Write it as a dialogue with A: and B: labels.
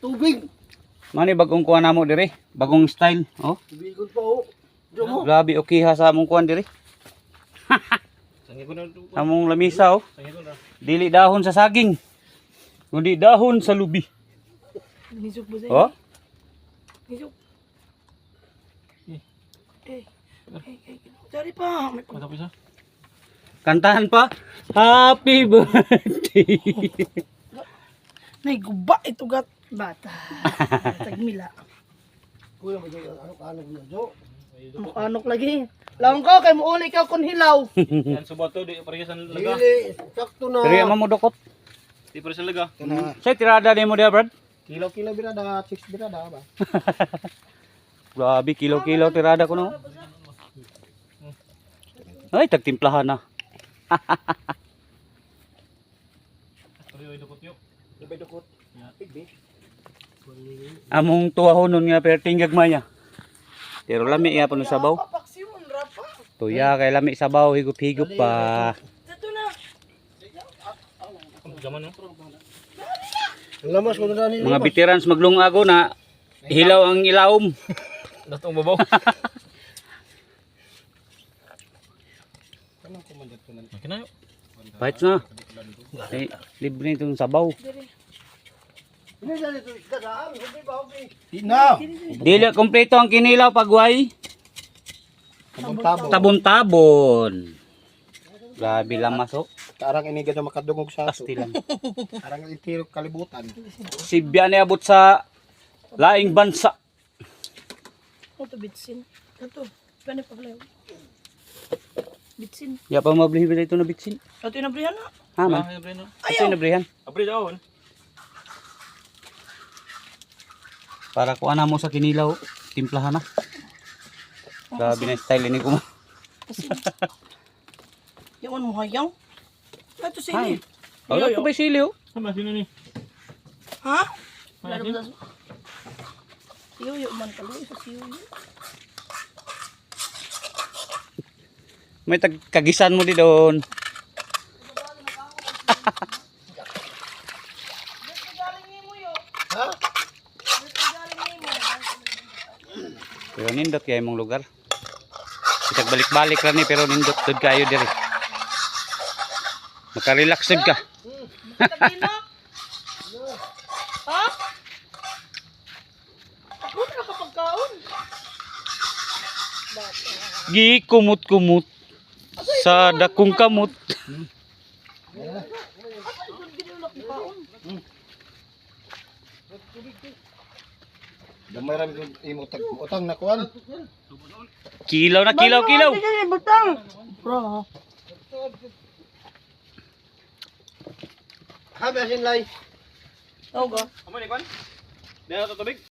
A: Tubig.
B: Mani bagong kuha namo dire, bagong style. Oh.
A: Tubigon pa oh. Diyo mo.
B: Grabe okay ha sa among kuan dire. Among lamisa oh. Dili dahon sa saging. Kundi dahon sa lubi.
C: Nisok ba sa'yo?
B: Oh.
C: Nisok. Dari pa.
B: Kantahan pa. Happy birthday.
C: Nay, guba ito gat. Bata. Tagmila.
A: Kuya mo dyan. Ano kaano mo dyan?
C: Mukanok lagi. Lang ko, kay muuli ka kung hilaw.
D: Yan subato di pareha sa laga.
A: Dili. Sakto na.
B: Pero mo dukot.
D: Di pareha sa laga.
B: Say tirada nimo dia, Brad.
A: Kilo-kilo birada. 6 birada ba?
B: Grabe kilo-kilo tirada ko no. Ay tagtimplahan na.
D: Pareho dukot yo.
A: Labay dukot. Pigbi.
B: Among tuwahonon nga perting gagmaya. Pero lami iya pano sabaw.
C: Papaksiyon, rapa.
B: Tuya kay lami sabaw higup-higup pa.
C: Ito na.
D: Zaman no.
A: Lamas ko na dani.
B: Mga veterans maglungago na hilaw ang ilawom.
D: Datong babaw. Kinayo.
B: Pahit na. Eh, libre itong sabaw.
A: Hindi dali to isda daan. Hindi ba okay? Ina.
B: Dili kompleto ang kinilaw pagway.
A: Tabon-tabon.
B: Tabon-tabon. Grabe lamas oh.
A: Tarang iniga na makadungog sa ato.
B: Asti lang.
A: Tarang itiro kalibutan.
B: Sibya ni abot sa laing bansa.
C: Ito, bitsin. Ito. Paano pa pala? Bitsin.
B: Ya pa mablihi ba ito na bitsin?
C: Ito yung nabrihan na.
B: Ha man.
D: Abre no.
B: Ito yung nabrihan.
D: Abre daw.
B: Para ko ana mo sa kinilaw, timplahan na. Grabe na style ini ko.
C: Yaman mo hayang. Ito
B: Ay.
C: sili.
B: Wala ko ba sili oh?
D: Sama sino ni?
C: Ha? Lalo ba sa... Siyo, man kaloy sa siyo.
B: May kagisan mo di doon.
A: Ha?
B: Pero nindot kaya imong lugar. Kita balik-balik lang ni pero nindot dud kayo diri. Maka-relax dud ka.
C: Tabi na. Ha? Ako na kapagkaon.
B: Gi kumot-kumot sa dakong kamot.
A: Damay ram imo tag utang na kuan.
B: Kilaw na kilaw kilaw.
C: Butang. Bro.
A: Ha, basin lay.
C: Oh, ga.
D: Amo ni kon. Dala to tubig.